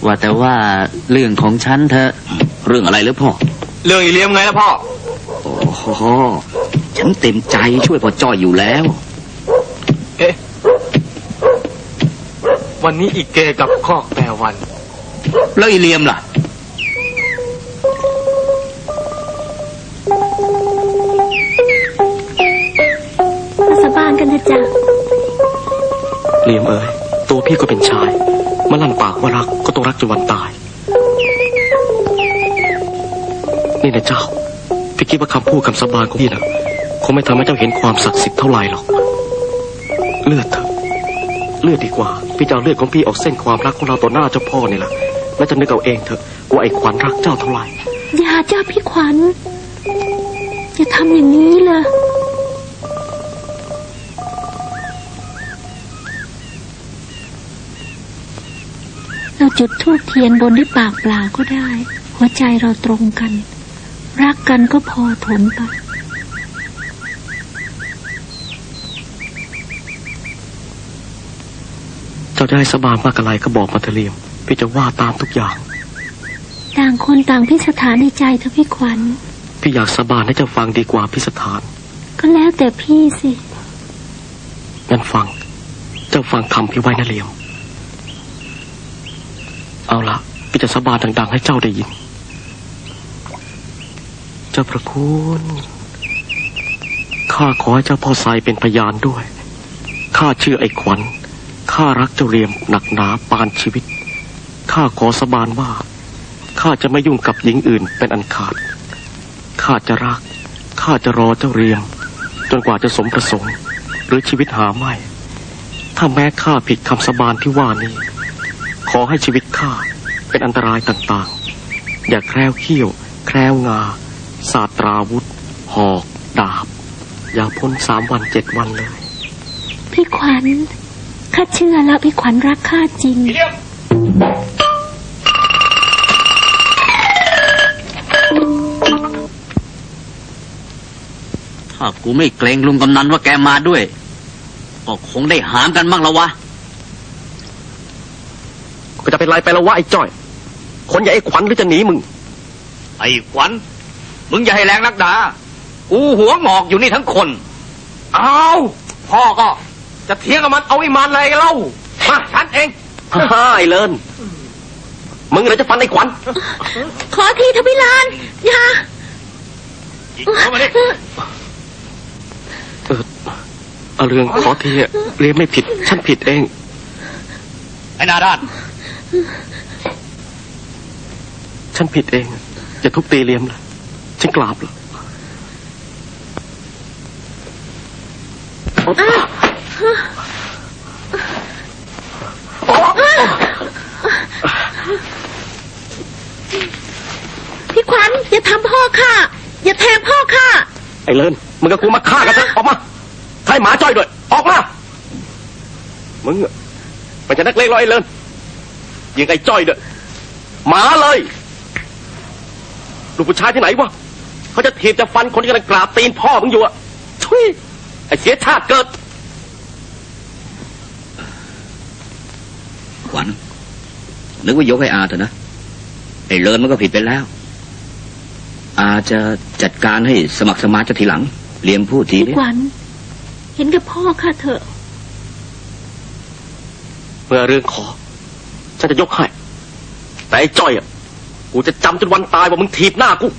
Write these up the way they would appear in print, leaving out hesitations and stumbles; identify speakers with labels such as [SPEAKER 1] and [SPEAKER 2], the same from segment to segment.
[SPEAKER 1] ว่าแต่ว่าเรื่องของฉันเธอเรื่องอะไรหรือพ่อ
[SPEAKER 2] เรื่องอีเลี้ยมไงล่ะพ่อ
[SPEAKER 1] โอ้โหฉันเต็มใจช่วยพ่อจ้อยอยู่แล้ว
[SPEAKER 2] วันนี้อีเกกับคอกแปรวัน
[SPEAKER 1] แล้วอีเลียมล่ะ
[SPEAKER 3] มาสาบานกันเถอะจ้ะ
[SPEAKER 4] เลียมเอ๋ยตัวพี่ก็เป็นชายมาลั่นปากว่ารักก็ต้องรักจนวันตายนี่นะเจ้าพี่คิดว่าคำพูดคำสาบานของพี่นะคงไม่ทำให้เจ้าเห็นความศักดิ์สิทธิ์เท่าไหร่หรอกเลือดเถอะเลือดดีกว่าพี่จะเอาเลือดของพี่ออกเส้นความรักของเราต่อหน้าเจ้าพ่อนี่แหละแล้วจะนึกเอาเองเถอะว่าไอ้ขวัญรักเจ้าเท่าไหร่
[SPEAKER 3] อย่าจ้าพี่ขวัญอย่าทำอย่างนี้เลยเราจุดธูปเทียนบนด้วยปากเปล่าก็ได้หัวใจเราตรงกันรักกันก็พอทนไป
[SPEAKER 4] เจ้าจะให้สาบานมากอะไรก็บอกมาเถอะเลียมพี่จะว่าตามทุกอย่าง
[SPEAKER 3] ต่างคนต่างพิสถานในใจเถอะพี่ขวัญ
[SPEAKER 4] พี่อยากสาบานให้เจ้าฟังดีกว่าพิสถาน
[SPEAKER 3] ก็แล้วแต่พี่สิ
[SPEAKER 4] งั้นฟังเจ้าฟังคำพี่ไว้นะเลียมเอาละพี่จะสาบานดังๆให้เจ้าได้ยินเจ้าพระคุณข้าขอให้เจ้าพ่อไซเป็นพยานด้วยข้าชื่อไอ้ขวัญข้ารักเจ้าเรียมหนักหนาปานชีวิตข้าขอสาบานว่าข้าจะไม่ยุ่งกับหญิงอื่นเป็นอันขาดข้าจะรักข้าจะรอเจ้าเรียมจนกว่าจะสมประสงค์หรือชีวิตหาไม่ถ้าแม้ข้าผิดคำสาบานที่ว่านี้ขอให้ชีวิตข้าเป็นอันตรายต่างๆอย่าแคล้วเขี้ยวแคล้วงาศาสตราวุธหอกดาบอย่าพ้น3 วัน 7 วันเลย
[SPEAKER 3] พี่ขวัญข้าเชื่อแล้วพี่ขวัญรักข้าจริง
[SPEAKER 1] ถ้ากูไม่เกรงลุงกำนันว่าแกมาด้วยก็คงได้หามกันบ้างแล้ววะ
[SPEAKER 4] ก็จะเป็นไรไปแล้ววะไอ้จ้อยคนอย่าไอ้ขวัญหรือจะหนีมึง
[SPEAKER 2] ไอ้ขวัญมึงอย่าให้แรงนักด่ากูหัวงอกอยู่นี่ทั้งคนเอาพ่อก็จะเถียงกับมันเอาไอ้มันอะไรกันเล่ามาฉันเอง
[SPEAKER 4] ไอ้เลินมึงเลยจะฟันไอ้ขวัญ
[SPEAKER 3] ขอทีเถอะพี่ลานอย่า
[SPEAKER 4] เข้ามาดิเอาเรื่องขอทีเรียนไม่ผิดฉันผิดเอง
[SPEAKER 2] ไอ้นาด้าน
[SPEAKER 4] ฉันผิดเองอย่าทุบตีเลียมเลยฉันกราบเลย
[SPEAKER 3] พี่ขวัญอย่าทำพ่อข้าอย่าแทงพ่อข้า
[SPEAKER 4] ไอ้เลินมึงกับกูมาฆ่ากันซะออกมาใช้หมาจ้อยด้วยออกมามึงมันจะนักเลงหรอไอ้เลินยิงไอ้จ้อยด้วยหมาเลยลูกผู้ชายที่ไหนวะเขาจะถีบจะฟันคนที่กำลังกราบตีนพ่อมึงอยู่อะทุยไอ้เสียชาติเกิด
[SPEAKER 1] ขวัญนึกว่ายกให้อาเถอะนะไอ้เลินมันก็ผิดไปแล้วอาจะจัดการให้สมัครสมานจะทีหลังเลี้ยงพูดทีนี้
[SPEAKER 3] ขวัญเห็นกับพ่อข้าเถอะ
[SPEAKER 4] เมื่อเรื่องขอฉันจะยกให้แต่ไอ้จ้อยอ่ะกูจะจำจนวันตายว่ามึงถีบหน้ากู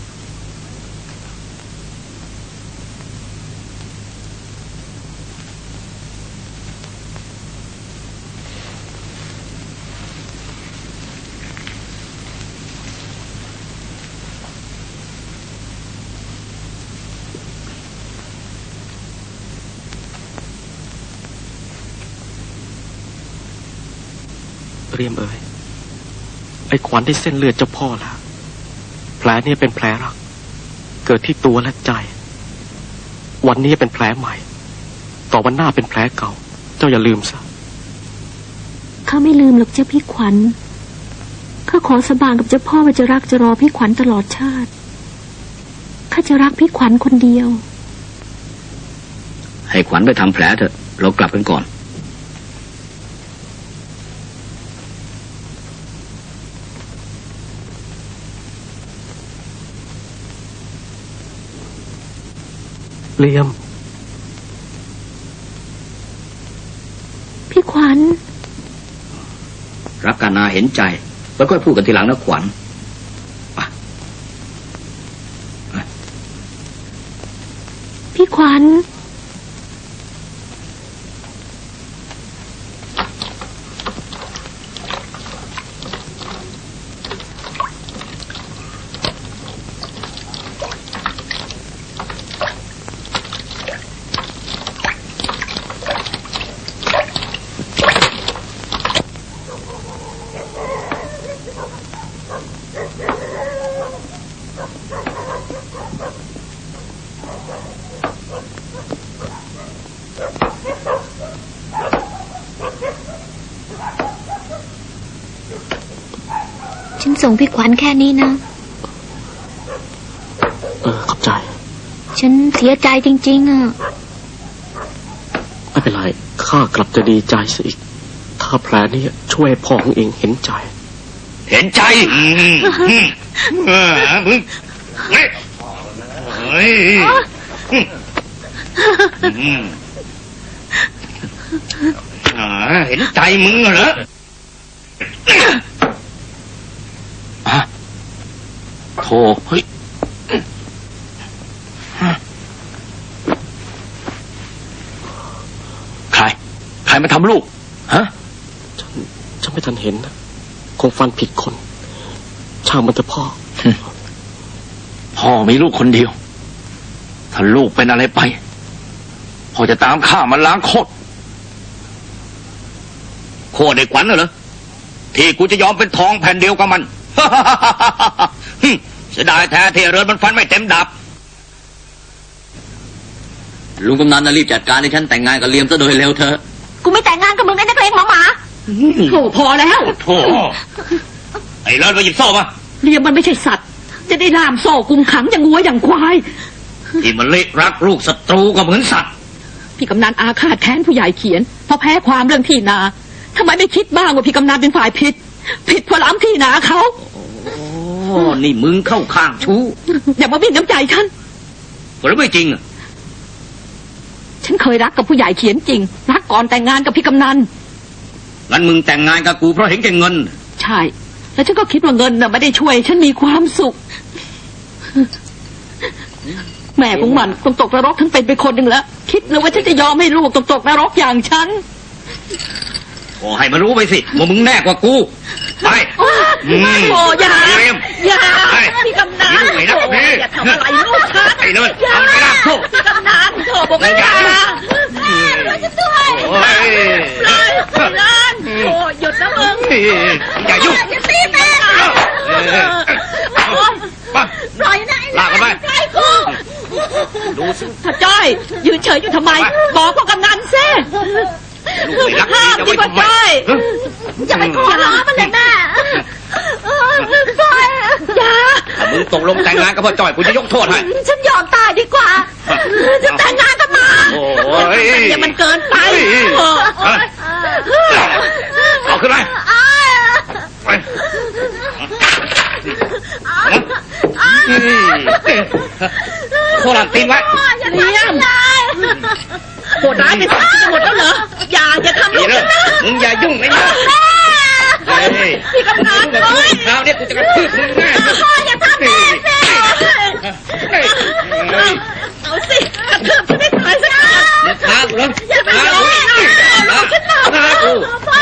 [SPEAKER 4] เรียมเอ๋ยไอ้ขวัญได้เส้นเลือดเจ้าพ่อแล้วแผลนี้เป็นแผลรักเกิดที่ตัวและใจวันนี้เป็นแผลใหม่ต่อวันหน้าเป็นแผลเก่าเจ้าอย่าลืมซะ
[SPEAKER 3] ข้าไม่ลืมหรอกเจ้าพี่ขวัญข้าขอสาบานกับเจ้าพ่อว่าจะรักจะรอพี่ขวัญตลอดชาติข้าจะรักพี่ขวัญคนเดียว
[SPEAKER 1] ให้ขวัญไปทำแผลเถอะเรากลับกันก่อน
[SPEAKER 4] เลียม
[SPEAKER 3] พี่ขวัญ
[SPEAKER 1] รักกันนาเห็นใจไว้ค่อยพูดกันทีหลังนะขวัญ
[SPEAKER 3] พี่ขวัญฉันส่งพี่ขวัญแค่นี้นะ
[SPEAKER 4] ขอบใจ
[SPEAKER 3] ฉันเสียใจจริงๆอ่ะ
[SPEAKER 4] ไม่เป็นไรข้ากลับจะดีใจซะอีกถ้าแผลนี้ช่วยพ่อของเองเห็นใจ
[SPEAKER 2] มึงเฮ้ยเห็นใจมึงเหรอโธ่เฮ้ยใครมาทำลูกฮะ
[SPEAKER 4] ฉันไม่ทันเห็นนะคงฟันผิดคนช่างมันเถอะ
[SPEAKER 2] พ่อมีลูกคนเดียวถ้าลูกเป็นอะไรไปพ่อจะตามฆ่ามันล้างโคตรไอ้ขวัญเหรอที่กูจะยอมเป็นทองแผ่นเดียวกับมันเสียดายแท้ที่เรือนมันฟันไม่เต็มดับ
[SPEAKER 1] ลุงกำนันน่ะรีบจัดการให้ฉันแต่งงานกับเลียมซะโดยเร็วเถอะ
[SPEAKER 3] กูไม่แต่งงานกับมึงไอ้นักเลงหมา
[SPEAKER 5] โธ่พอแล้ว
[SPEAKER 2] โธ่ไอ้เลิศมาหยิบโซ่มา
[SPEAKER 5] เลียมมันไม่ใช่สัตว์จะได้ล่ามโซ่กุมขังอย่างงัวอย่างควาย
[SPEAKER 2] ที่มันเละรักลูกศัตรูก็เหมือนสัตว์
[SPEAKER 5] พี่กำนันอาฆาตแค้นผู้ใหญ่เขียนเพราะแพ้ความเรื่องที่นาทำไมไม่คิดบ้างว่าพี่กำนันเป็นฝ่ายผิดเพราะล้ำที่นาเขา
[SPEAKER 2] นี่มึงเข้าข้างชู้
[SPEAKER 5] อย่ามาบิ้นน้ำใจฉัน
[SPEAKER 2] หรือไม่จริงอ่ะ
[SPEAKER 5] ฉันเคยรักกับผู้ใหญ่เขียนจริงรักก่อนแต่งงานกับพี่กำนัน
[SPEAKER 2] งั้นมึงแต่งงานกับกูเพราะเห็นแก่เงิน
[SPEAKER 5] ใช่แล้วฉันก็คิดว่าเงินน่ะไม่ได้ช่วยฉันมีความสุขแม่ของมันต้องตกนรกทั้งเป็นไปคนหนึ่งแล้วคิดเลยว่าฉันจะยอมให้ลูกตกนรกอย่างฉัน
[SPEAKER 2] ขอให้มันรู้ไปสิว่ามึงแน่กว่ากูไป
[SPEAKER 5] โอ้อย่าพี่กำนันอย่าทำอะไรลูกฉัน
[SPEAKER 2] ไอ้เลิศเอาไปละ
[SPEAKER 5] พี่กำนันโธ่บอกว่าอย่าเราจะด้วยลั่นโธ่หยุดนะมึง
[SPEAKER 2] อย่ายุ่ง
[SPEAKER 5] อย่าตีแม่ปล่อยนะ
[SPEAKER 2] ลากกันไป
[SPEAKER 5] ดูสิถ้าจ้อยยืนเฉยอยู่ทำไมบอกว่ากำนันเซ่ห้ามที่มันได้อย่าไปขอร้องมันเลยแม่อย่า
[SPEAKER 2] มึงตกลงแต่งงานกับพ่อจ้อยกูจะยกโทษให้
[SPEAKER 5] ฉันยอมตายดีกว่าจะแต่งงานกับมันอย่ามันเกินไป
[SPEAKER 2] เอาขึ้นไปโคตรตีนไว้
[SPEAKER 5] เลี้ยงโหดร้ายเป็นสัตว์จะหมดแล้วเหรออย่าทำลูกฉันนะ
[SPEAKER 2] มึงอย่ายุ่งไอ้เนี่ย
[SPEAKER 5] พี่กำนันเลย
[SPEAKER 2] คราวนี้กูจะกระทืบมึงแน่
[SPEAKER 5] พ่ออย่าทำแม่เอาสิกระทืบฉันไม่ตายสักครั้ง
[SPEAKER 2] ท้ากูแล้ว
[SPEAKER 5] อย่าไปร้องลูกฉันหนาวพ่อ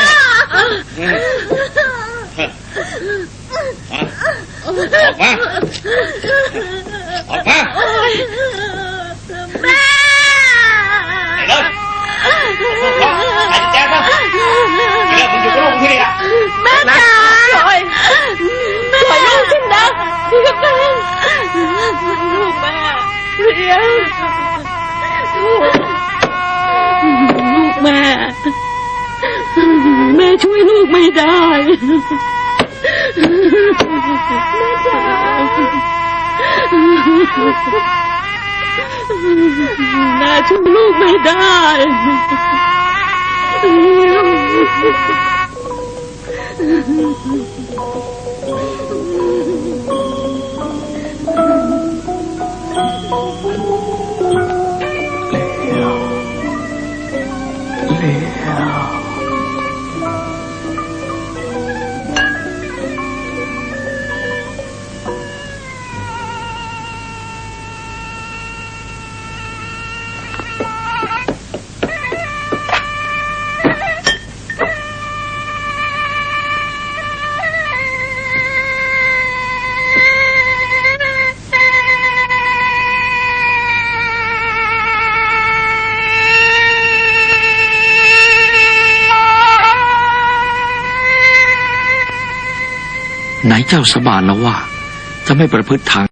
[SPEAKER 2] ออกมา
[SPEAKER 5] แม่
[SPEAKER 2] ไอ้เลิศไอ้แจ๊คนะไอ้เลิศมึงอยู่กับลูกที่นี่อ่ะ
[SPEAKER 5] แม่จ๋าปล่อยลูกฉันนะพี่กำนันลูกแม่เรียนลูกแม่ช่วยลูกไม่ได้แม่จ๋าแม่ช่วยลูกไม่ได้
[SPEAKER 4] ไหนเจ้าสาบานแล้วว่า จะไม่ประพฤติทาง